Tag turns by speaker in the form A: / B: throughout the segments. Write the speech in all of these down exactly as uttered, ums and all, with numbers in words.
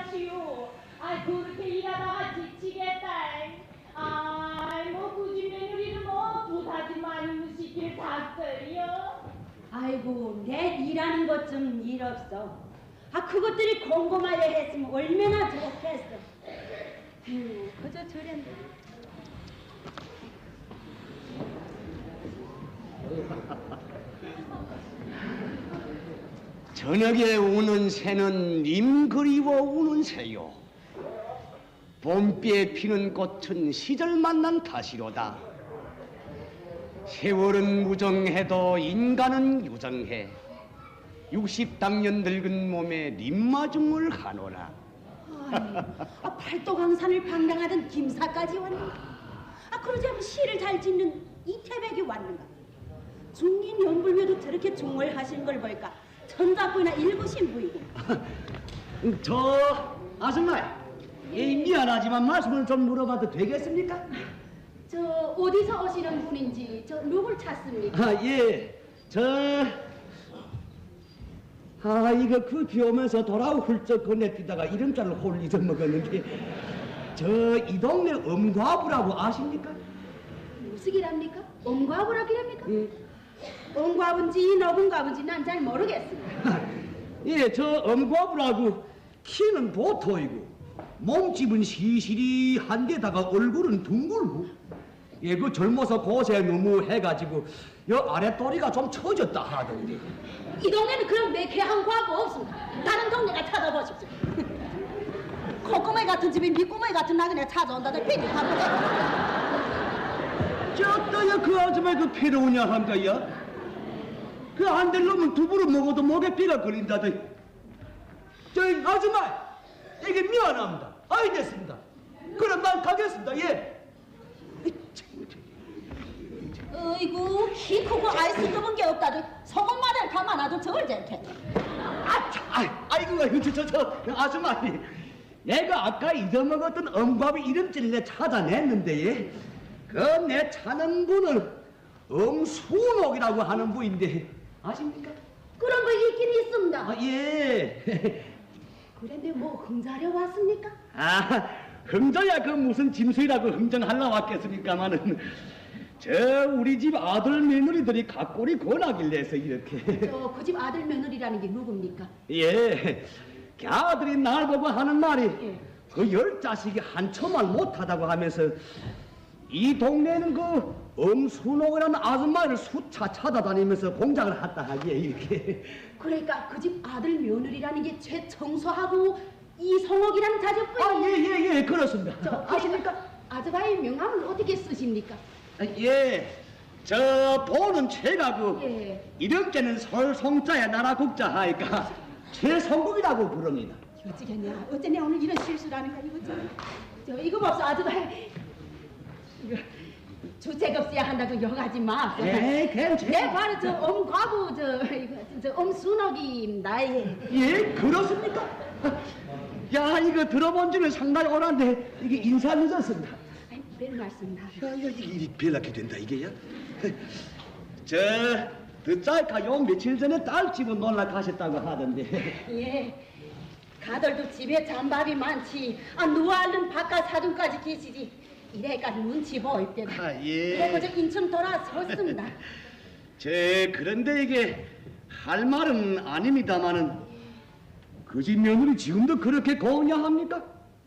A: 마시오. 아이 그렇게 일하다가 지치겠다. 아이 뭐 굳이 며느리를 뭐 부사지 말고 시킬 닭들이요.
B: 아이고 내 일하는 것 좀 일 없어. 아 그것들이 곰곰하게 했으면 얼마나 좋겠어. 음, 그저 저랬네.
C: 저녁에 우는 새는 님 그리워 우는 새요. 봄비에 피는 꽃은 시절 만난 탓이로다. 세월은 무정해도 인간은 유정해. 육십 당년 늙은 몸에 님마중을 하노라.
B: 아이, 아, 팔도강산을 방랑하던 김사까지 왔는가? 아 그러지 않으면 시를 잘 짓는 이태백이 왔는가? 중긴 연불묘도 저렇게 중얼하시는 걸 볼까? 천자부나 읽으신 부이고.
C: 저 아줌마, 예, 미안하지만 말씀을 좀 물어봐도 되겠습니까?
B: 저 어디서 오시는 분인지 저 누굴 찾습니까?
C: 아, 예, 저... 아, 이거 그 비 오면서 돌아오 훌쩍 건네뛰다가 이름자를 홀 잊어먹었는데 저 이 동네 엄과부라고 아십니까?
B: 무슨 기랍니까? 엄과부라 기랍니까?
C: 예.
B: 엄과부인지 너분과부인지 난 잘 모르겠습니다.
C: 예, 저 엄과부라고 키는 보토이고 몸집은 시시리한데다가 얼굴은 둥글고 예, 그 젊어서 고세 너무 해가지고 여 아랫도리가 좀 처졌다 하던데.
B: 이 동네는 그런 매캐한 과부 없습니다. 다른 동네가 찾아보십시오. 콧구멍 같은 집에 밑구멍 같은 나그네 찾아온다들 피디 바보래.
C: 저따야 그 아줌마 그 필요우냐 한가야? 그 안 될 놈은 두부를 먹어도 목에 피가 걸린다더니. 저 아줌마, 이게 미안합니다. 아이 됐습니다. 그럼 난 가겠습니다. 예.
B: 어이구 키 크고 아이 쓸데없는 게 없다들 소금마늘 가만놔도 저걸 잼캐.
C: 아, 참, 아이, 아이고, 저, 저, 저, 아줌마, 내가 아까 잊어먹었던 엄밥의 이름줄을 내 찾아냈는데, 예. 그 내 찾는 분은 엄순옥이라고 하는 분인데, 아십니까?
B: 그런 거 있긴 있습니다.
C: 아, 예.
B: 그런데 뭐 흥자려 왔습니까?
C: 아, 흥저야 그 무슨 짐수이라고 흥정하려 왔겠습니까마는, 저 우리 집 아들 며느리들이 각골이 권하길래서 이렇게.
B: 저 그 집 아들 며느리라는 게 누굽니까?
C: 예, 그 아들이 날 보고 하는 말이
B: 예.
C: 그 열 자식이 한초말 못하다고 하면서 이 동네는 그 엄순옥이라는 아줌마를 수차 찾아다니면서 공장을 했다 하기에 이렇게.
B: 그러니까 그 집 아들 며느리라는 게 최청소하고 이성옥이라는 자제분이.
C: 아, 예, 예, 예, 그렇습니다.
B: 저 아십니까? 아줌마의 명함을 어떻게 쓰십니까?
C: 아, 예, 저 보는 최가구
B: 예.
C: 이름께는 설성자야 나라국자 하니까 최성국이라고 부릅니다.
B: 어찌겠냐? 어쩌냐 오늘 이런 실수라는 거 이거 좀. 저 이거 봅소 아줌마. 이거 주책 없어야 한다고 욕하지 마.
C: 예, 괜찮아.
B: 내 바로 저 엄과부 저 이거 저 엄순옥입니다. 예.
C: 예, 그렇습니까? 야, 이거 들어본 지는 상당히 오랜데 이게 인사 늦었습니다.
B: 아이, 별 말씀다.
C: 야, 이거 이 별나게 된다 이게야. 저 듣자니까 요 며칠 전에 딸 집은 놀러 가셨다고 하던데.
B: 예. 가들도 집에 잔밥이 많지. 아 누가 얼른 바깥 사돈까지 계시지. 이래가 눈치 보일 때는.
C: 아, 예.
B: 그래고 저 인천 돌아섰습니다.
C: 저 그런데 이게 할 말은 아닙니다마는 그 집 며느리 지금도 그렇게 고우냐 합니까?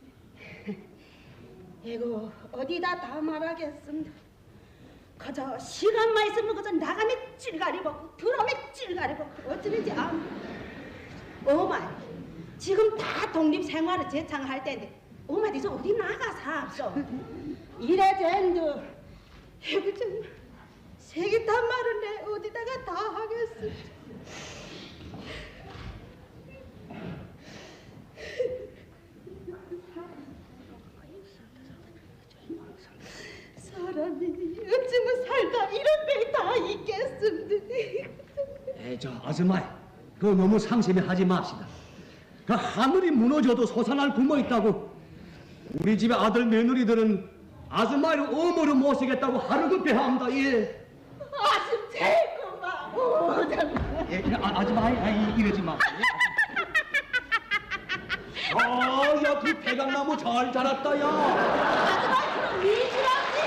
B: 이고 어디다 다 말하겠습니다. 그저 시간만 있으면 그저 나가면 찔가리 먹고 들어오면 찔가리 먹고 어쩌는지 아무. 어마 지금 다 독립 생활을 재창할 때인데 어마 니저 어디 나가 삽소. 이래 젠도 이거 좀 세기탄 말은 내 어디다가 다 하겠어. 사람이 어쩌면 살다 이런 배 다 있겠습니다.
C: 에이, 저 아줌마, 그거 너무 상심해 하지 맙시다. 그 하늘이 무너져도 솟아날 구멍 있다고 우리 집의 아들 며느리들은 아줌마를 어머로 모시겠다고 하루급해 합니다. 예.
B: 아줌 제일 고마워.
C: 예, 아, 아줌마, 아, 이, 이러지 마. 야, 야, 그 대강나무 잘 자랐다, 야.
B: 아줌마 그럼 미주라지.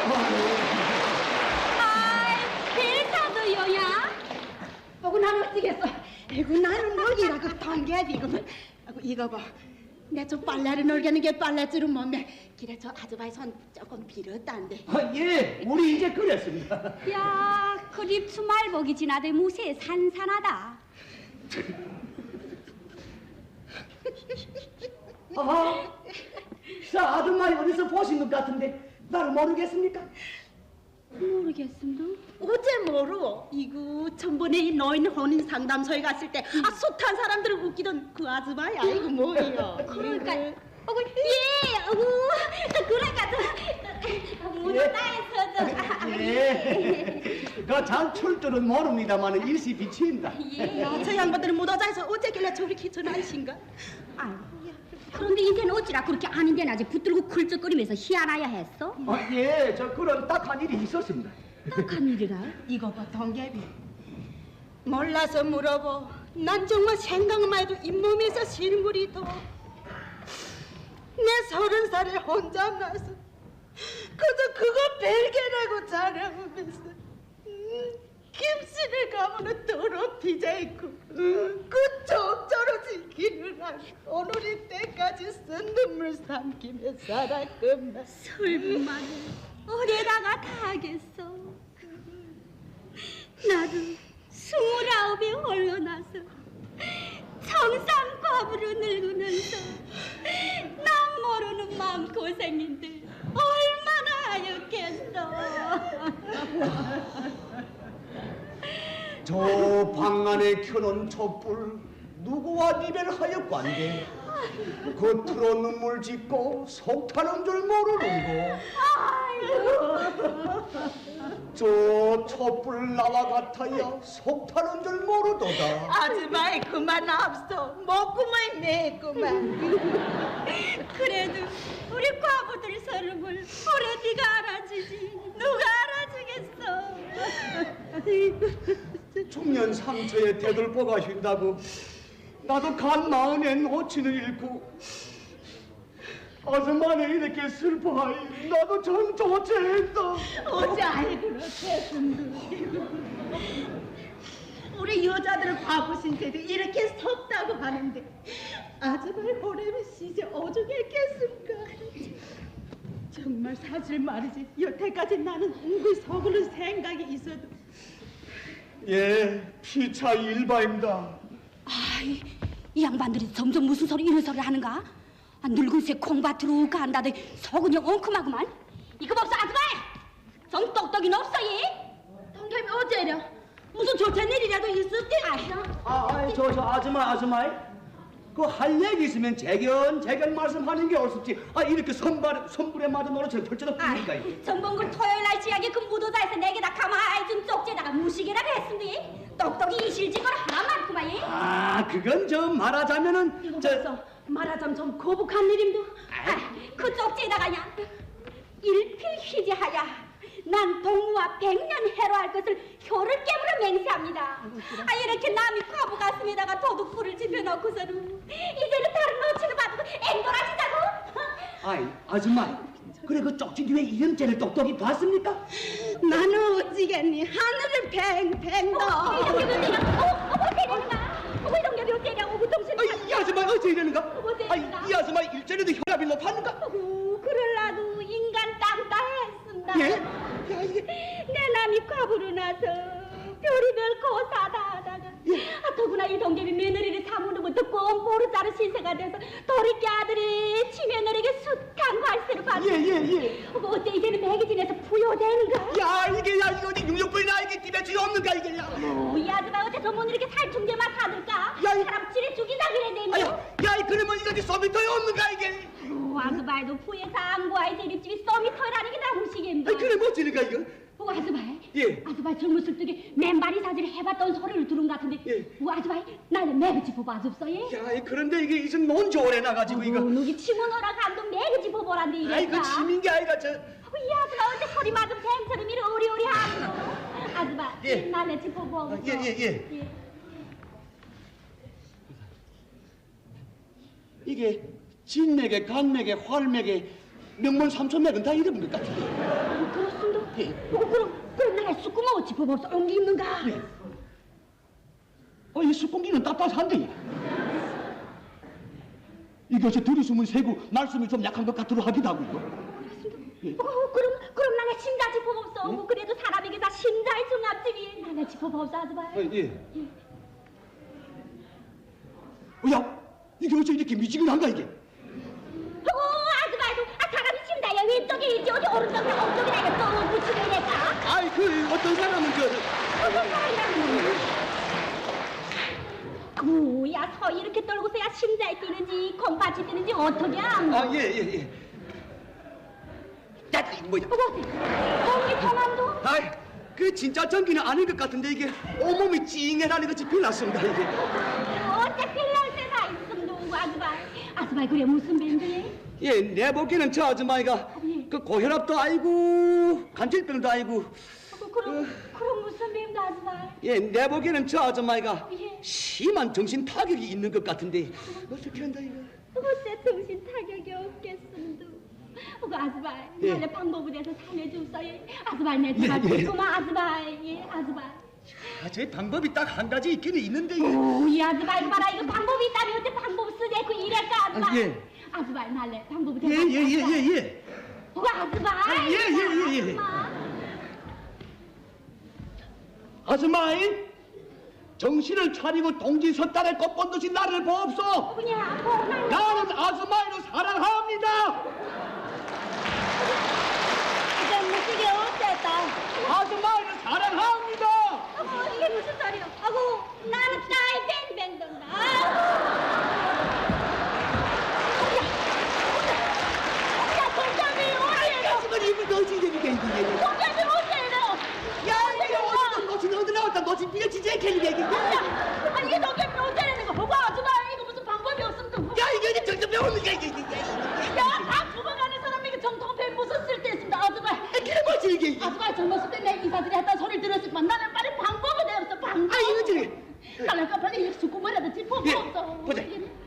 A: 아이, 벨사도요야.
B: 보고 나는 어찌겠어. 아이고 나는 먹이라 그 동개비구만. 아이고 이거 봐. 내 좀 빨래를 놀게는 게 빨래줄은 몸매. 길에 저 아줌마의 손 조금 비렸단데.
C: 아, 예, 우리 이제 그랬습니다.
A: 야, 그립 주말복이 지나도 무쇠 산산하다.
C: 아하, 자, 아줌마이 어디서 보신 것 같은데 나를 모르겠습니까?
A: 모르겠습니다.
B: 어제 뭐로? 이거 전번에 이 노인 혼인 상담소에 갔을 때 아 숱한 사람들을 웃기던 그 아줌마야. 이거 뭐예요?
A: 그러니까,
B: 이거.
A: 어구, 예, 어구, 그래가지고 문어 따에서 저.
C: 예, 그잘 출 줄은 모릅니다만 일시 비치입니다.
A: 예.
B: 야, 저 양반들은 못하자해서 어째길래 저리 기천하신가?
A: 아이고. 그런데 이제는 어찌라 그렇게 아닌데 아직 붙들고 굴쩍거리면서 희한하야 했어?
C: 아, 예, 저 그런 딱한 일이 있었습니다.
A: 딱한 일이라?
B: 이거 봐, 동개비. 몰라서 물어보. 난 정말 생각만 해도 잇몸에서 실물이 더. 내 서른 살에 혼자 나서 그저 그거 벨게라고 자랑하면서 음, 김씨를 가면은 더럽히자 있고 음, 그 적절로 지키는 한 오늘이 때까지 쓴 눈물 삼키며 살았구만.
A: 설마 어디다가 다 하겠어? 나도 스물아홉에 홀로 나서 청산과부로 늙으면서 남 모르는 마음 고생인데 얼마나 하였겠어.
C: 저 방 안에 켜놓은 촛불 누구와 이별하였관데 겉으로 눈물 짓고 속 타는 줄 모르는 거. 저 촛불 나와 같아야 속 타는 줄 모르도다.
B: 아줌마이 그만 앞서 먹구만 내구만.
A: 그래도 우리 과부들 서름을 오래 네가 알아주지 누가 알아주겠어.
C: 중년 상처에 대들보가 휜다고 나도 간 마흔엔 호치는 잃고 아줌마는 이렇게 슬퍼하니 나도 전 조체했다.
B: 어째 아이 그렇게 우리 여자들은 과부 신세도 이렇게 섰다고 하는데 아줌마의 호렘이 시제 오죽했겠습니까? 정말 사실 말이지 여태까지 나는 웅글 서구는 생각이 있어도
C: 예, 피차 일바입니다.
A: 아이, 이 양반들이 점점 무슨 소리 이런 소리를 하는가? 아, 늙은 새 콩밭으로 간다더니 속은 영 엉큼하구만. 이거 없어 아줌마! 좀 똑똑이 없어 이?
B: 동겸이 어째려? 무슨 좋은 일이라도 있을 때
C: 아, 아이, 저, 저 아줌마, 아줌마. 그 할 얘기 있으면 재견, 재견 말씀하는 게 옳습지. 아, 이렇게 선발, 선불에 맞은 노릇처럼 펼쳐도 됩니까, 이게?
A: 전봉굴 토요일 날 지하게 그 무도자에서 내게다 가만히 둔 쪽지에다가 무시개라고 했으니 똑똑이 이실직거를 하나 많구만 이?
C: 아, 그건 저 말하자면은
B: 이거
C: 저
B: 벌써 말하자면 좀 거북한 일임도.
A: 아, 그 쪽지에다가야 일필휘지하야 난 동무와 백년 해로할 것을 혀를 깨물어 맹세합니다. 아, 이렇게 남이 과부 가슴에다가 도둑불을 집혀놓고서는 이제는 다른 노치를 받고 앵돌아지자고?
C: 아이, 아줌마. 그래 그 쪽지 뒤에 이름째를 똑똑히 봤습니까?
B: 나는 어찌겠니 하늘을 팽팽
A: 어,
B: 더.
A: 이동엽이 어째냐? 어, 어, 어째냐는가? 어, 이동엽이 어째냐? 어, 무통신.
C: 아이, 이 아줌마 어째 이러는가?
A: 어째
C: 아이,
A: 이러는가?
C: 이 아줌마 일전에도 혈압이 높았는가?
A: 어, 그럴라도 인간 땅따 했습니다.
C: 예? 야, 이게
A: 내 남이 과부로 나서 별이별 고사다 하다가 아, 더구나 이 동ገብ이 며느리를 사무는 것도 꼼보르자루 신세가 돼서 도리끼 아들이 치며느리에게 숱한 관세를 받고
C: 예, 예, 예.
A: 어, 어째 이제는 매기진에서 부여되는가?
C: 야, 이게 야 이거 어디 육육불이나 이게 집에 쥐 없는가 이게 야.
A: 어, 이 아줌마 어째 저못 이렇게 살충제만 사들까?
C: 야, 이-
A: 사람 찌를 죽이자 그래 되면
C: 아야, 야, 이 그러면 이거 어디 소비터에 없는가 이게?
A: 어, 아줌마도 부에서 안고아이 제립집이 쏘미터라는 게 나무시겠네.
C: 아이, 그래 뭐 어찌는가 이거?
A: 어, 아줌마.
C: 예.
A: 아줌마 젊었을 적에 맨발이 사진을 해봤던 소리를 들은 것 같은데.
C: 예.
A: 어, 아줌마, 나는 매그지 뽑아줍소, 예?
C: 야, 이 그런데 이게 이제 논지 오래 나가지고 이거.
A: 누기 치문어라 간도 매그지 뽑아란데 이랬다.
C: 아이, 그 치민 게 아이가 저.
A: 어, 이 아줌마 어째 소리 맞은 뱀처럼 이리 오리오리 하노. 아줌마,
C: 예.
A: 나네 집 뽑아.
C: 아, 예, 예, 예.
A: 예.
C: 이게 진맥에 간맥에 활맥에 명문 삼천맥은 다 이런 것 같은데.
A: 어, 그렇습니다.
C: 예.
A: 어, 그럼 그럼 내가 쑥구멍 짚어봅소. 옹기 있는가?
C: 예. 어, 이 숯공기는 따뜻한데. 이것이 들이숨은 세고 말씀이 좀 약한 것 같으로 하기도 하고요. 예.
A: 어, 그럼 그럼 나가 심자 짚어봅소. 어, 그래도 사람에게 다 심자의 중압집이 나가 짚어봅소 아줌마.
C: 어, 예. 어, 야, 이게 어째 이렇게 미지근한가 이게?
A: 어, 아줌마도 아 사람이 심자야 왼쪽에 있지 어디 오른쪽이나 오른쪽이나 이게 또 붙이고 이랬다.
C: 아이 그 어떤 사람은 그
A: 어떤 사람이라고? 구야 서 이렇게 떨고서야 심자에 뛰는지 콩밭이 뛰는지 어떻게 안?
C: 아, 예, 예, 예. 야, 이거 뭐야?
A: 어머, 거기 성함도?
C: 아이, 그 진짜 전기는 아닌 것 같은데 이게 온몸이 찡해라는 것이 빌났습니다 이게.
A: 어째 필날 때가 있음 누구 아줌마? 아줌마 그래 무슨 밴드에?
C: 예, 내 보기에는 저 아줌마이가
A: 예.
C: 그 고혈압도 아니고 간질병도 아니고.
A: 어, 그럼 그럼 무슨 밴드 아줌마?
C: 예, 내 보기에는 저 아줌마이가
A: 예.
C: 심한 정신 타격이 있는 것 같은데 어떻게 한다 이거?
A: 어째 정신 타격이 없겠음도. 어, 아줌마
C: 예.
A: 나의 방법에 대해서 살려주소요. 아줌마 내 제가
C: 예, 예.
A: 듣고만 아줌마 예 아줌마.
C: 아, 제 방법이 딱 한 가지 있기는 있는데.
A: 오이 아줌마 이거 봐라 이거 방법이 있다면 어째 방법 쓰내고 이럴까 아줌마?
C: 아, 예.
A: 아줌마 날래 방법이
C: 예, 예, 예, 예, 예.
A: 어, 아줌마.
C: 아, 예, 예, 예, 예.
A: 아줌마.
C: 아줌마이 정신을 차리고 동지 섰달에 꺾은 듯이 나를 보옵소.
A: 그냥 보나.
C: 나는 아줌마이를 사랑합니다.
A: 이게 무슨 게 어쨌다.
C: 아줌마이를 사랑합니다.
A: 어머 이게 무슨 소리야? 아고 나는 나이 뱅뱅 돈다. 야 동점이 어디에요?
C: 이거 이거 너지 이게 이게 이게.
A: 동점이 어디에요?
C: 야 이게 어디든 너지 어디 나왔다 너지 네가 진짜 이렇게 이게 이게. 야
A: 아 이게 동점이 어디라는 거? 보고 아줌마 이거 무슨 방법이 없으면 좀.
C: 이게 이게 정신 배우는 게 이게 이게.
A: 야다 죽어가는 사람에게 정통패 무슨 쓸데 있습니다 아줌마.
C: 그게 뭐지 이게 이게.
A: 아줌마 젊었을 때 내 이사들이 했던 소리를 들었지만 나는 빨리 방법을 내었어 방법.
C: 아 이거 저기.
A: 빨리 빨리 수고머리라도 짚어
C: 예,
A: 보소.
C: 보자.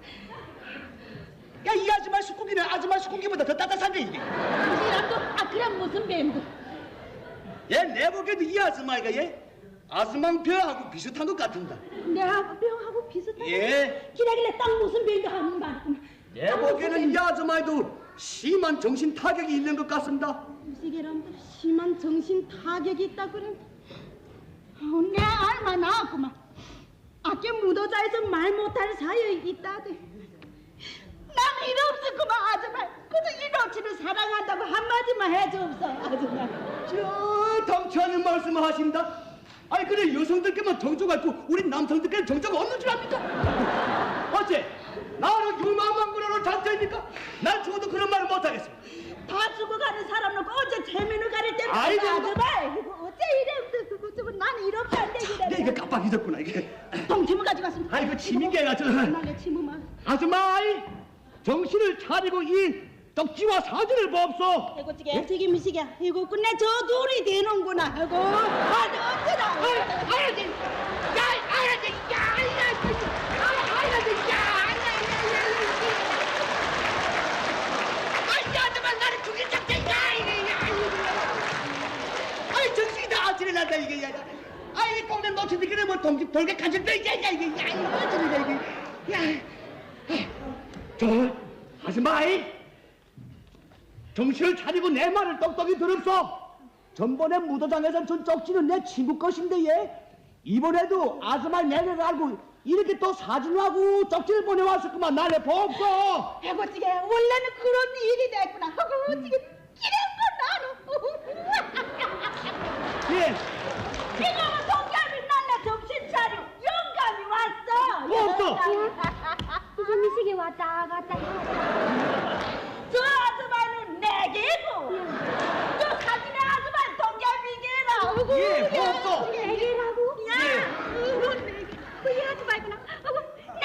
C: 야 이 아줌마 수공기는 아줌마 수공기보다 더 따뜻한데 이게.
A: 이랑도 아 그럼 무슨 뱀도?
C: 얘 내 보기에도 이 아줌마가 얘 아스망표하고 비슷한 것 같은다.
A: 내가 병하고 비슷해.
C: 예.
A: 기라길래 딱 무슨 뱀도 하는 말이구나.
C: 내 보기에는 이 아줌마도 심한 정신 타격이 있는 것 같습니다.
B: 무시개람들 심한 정신 타격이 있다 그래.
A: 어, 내 알마 나왔구만.
B: 아껴 무도자에서 말 못할 사이에 있다대.
A: 나는 이름 없었구만 아줌마.
B: 그저 이노치를 사랑한다고 한마디만 해줘없어 아줌마.
C: 저 덩치하는 말씀을 하신다. 아니 그래 여성들께만 정조가 있고 우리 남성들께는 정조가 없는 줄 압니까? 어째 나는 유망망군으로 잔재입니까? 난 죽어도 그런 말을 못하겠어.
B: 다 죽어가는 사람 놓고 어째 재민을 가릴 때는
C: 아이고.
B: 아줌마 이거 어째 이래 그거 좀 나는 이렇게 안 되기래.
C: 내 이거 깜빡 잊었구나 이게.
B: 동치무 가지고 왔습니다.
C: 아이고 치민개가 저.
B: 나의 치무만.
C: 아줌마이 정신을 차리고 이 떡지와 사진을 보옵소.
B: 해고찌개 튀김이시게 이거 끝내 저 둘이 되는구나 하고 아주 어쩌다
C: 아야지, 야, 아야지, 야, 아야지, 아야지, 야, 아야지, 아줌마 나를 죽일 작정이야, 이게, 아이 정신이 다 아찔해 난다 이게, 야, 아이 꽁내 놓치지 그래 뭐 동집 돌게 간질병 이게, 야, 이게, 야, 이거 어쩌냐 이게, 야, 저 아줌마이. 정신을 차리고 내 말을 똑똑히 들읍소. 전번에 무도장에서 준 쪽지는 내 친구 것인데 얘 이번에도 아줌마 내를 알고 이렇게 또 사진하고 쪽지를 보내왔었구만. 나를 보옵소.
B: 해고찌개 원래는 그런 일이 됐구나 하고 어찌게 이랬고 나는
C: 예.
B: 이거는 동감이 날라 정신 차려 영감이 왔어.
C: 없어.
A: 무슨 미식이 왔다 갔다 해.
B: 저 아줌마는 내게고 저 사진의 아줌마는 동감이게라.
C: 예, 없어.
A: 내게라고?
C: 예.
B: 이거 내게.
A: 그이 아줌마구나. 어머, 내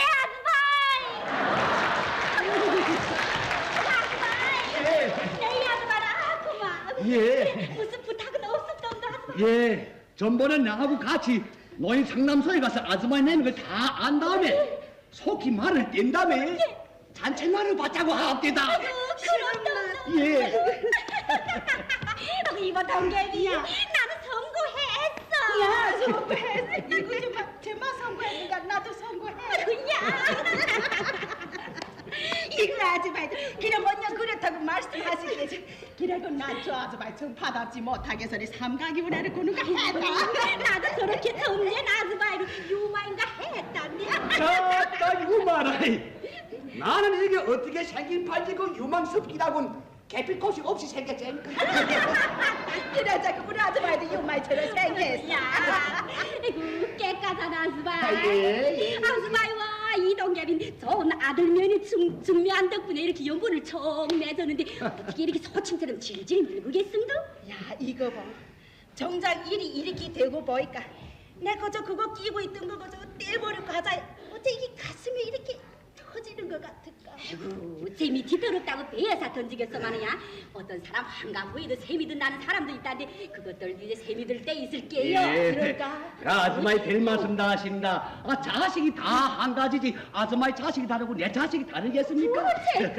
A: 아줌마.
C: 예.
A: 내 아줌마라 아구만.
C: 예.
A: 무슨 부탁은 없었던가 아줌마.
C: 예. 전번에 나하고 같이 노인 상담소에 가서 아줌마 내는 걸 다 안 다음에 속히 말을 뗀 다음에 잔챙만을 받자고 하옵니다.
A: 그렇다.
C: 예.
A: 이거 동계비 나는 성공했어.
B: 야, 선거했어. 이거 좀 봐. 제만 선거했으니까 나도 선거해.
A: 야.
B: 이거 아줌마도 그래 먼저 그렇다고 말씀하시겠지. 그래도 난저 아줌마 좀 받았지 못하게 서리 삼각이 운하를 구는가 했다.
A: 나도 저렇게 점쟁 아줌마로 유마인가 했단데.
C: 자따 유마라이. 나는 이게 어떻게 생긴 팔지고 유망스럽기라곤 개필꽃이 없이 생겼지.
B: 그래 자꾸 우리 아줌마도 유마이처럼 생겼어.
A: 야, 이거 깨끗한 아줌마.
C: 아, 예, 예.
A: 아줌마와 이동엽인 좋은 아들면이 증, 증명한 덕분에 이렇게 연분을 총 맺었는데 어떻게 이렇게 소침처럼 질질 늙으겠음도?
B: 야 이거 봐. 정작 일이 이렇게 되고 보니까 내 그저 그거 끼고 있던 거 그저 떼버리고 가자. 어째 이게 가슴이 이렇게 터지는 것 같을까?
A: 아이고 재미 뒤더럽다고 배에서 던지겠어 마느냐. 어떤 사람 한가부에도 세미든 나는 사람도 있다는데 그것들 이제 세미들 때 있을게요. 그럴까?
C: 그 아줌마의 별 말씀 다 하신다. 아, 자식이 다 한 가지지. 아줌마의 자식이 다르고 내 자식이 다르겠습니까?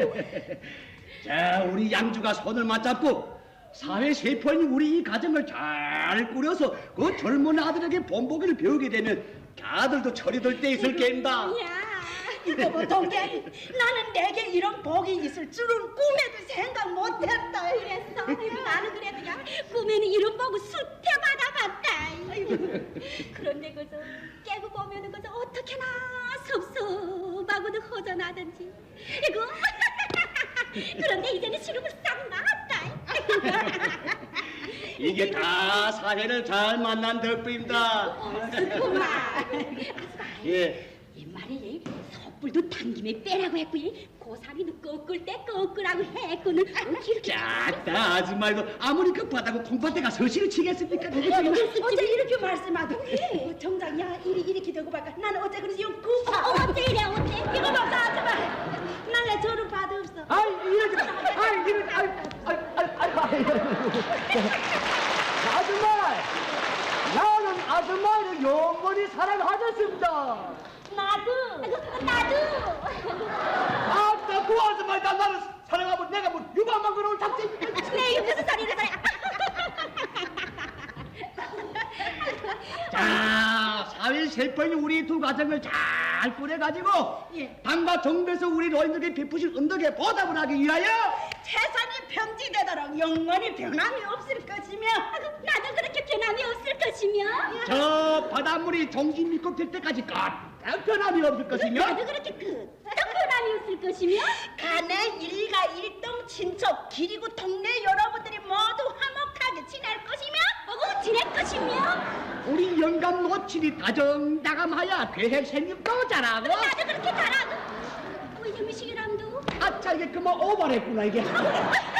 C: 자, 우리 양주가 손을 맞잡고 사회 세포인 우리 이 가정을 잘 꾸려서 그 젊은 아들에게 본보기를 배우게 되면 아들도 철이 들 때 있을 게입니다.
A: 야.
B: 이거 뭐 동계 나는 내게 이런 복이 있을 줄은 꿈에도 생각 못했다.
A: 그랬어. 나는 그래도 야 꿈에는 이런 보고 수태 받아봤다. 그런데 그저 깨고 보면은 그저 어떻게나 섭섭하고도 허전하든지. 이거 그런데 이제는 시름을 싹 나왔다.
C: 이게 다 사회를 잘 만난 덕분입니다.
A: 그만.
C: 예.
A: 옛말에 섣불도 당김에 빼라고 했고 고사리도 꺾을 때 꺾으라고 했거든. 이렇게
C: 짝다 아줌마도 아무리 급하다고 콩밭에가 서시를 치겠습니까?
B: 어째 이렇게 말씀하더니 어, 정작 야 일이 이렇게 되고 말까 나는 어째 그래서 영 급하.
A: 어째 이래 어째?
B: 이거 봐 아줌마 날래 저를 받없어.
C: 아이 이러지 마. 아이 이러지 아이 아이 아이 아이 아줌마 나는 아줌마를 영원히 사랑하셨습니다.
A: 나도. 나도.
C: 아따 그 아줌마가 나를 사랑하면 내가 뭐 유방만 그러는 작전입니까?
A: 내 무슨 소리를 소리.
C: 자, 사회 세포인 우리 두 가정을 잘 꾸려가지고
B: 예.
C: 당과 정부에서 우리 노인들에게 베푸신 은덕에 보답을 하기 위하여
B: 재산이 평지되도록 영원히 변함이 없을 것이며
A: 나도 그렇게 변함이 없을 것이며.
C: 저 바닷물이 정신 믿고 될 때까지 까딱 변함이 없을 것이며
A: 나도 그렇게 그 변함이 없을 것이며.
B: 간의 일가 일동 친척 그리고 동네 여러분들이 모두 화목하게 지낼 것이며
A: 어구 지낼 것이며.
C: 우리 영감 노친이 다정다감하여 계획 생김도 잘하고
A: 나도 그렇게 잘하고. 뭐 이놈의 시기람도.
C: 아차 이게 그만 오버했구나 이게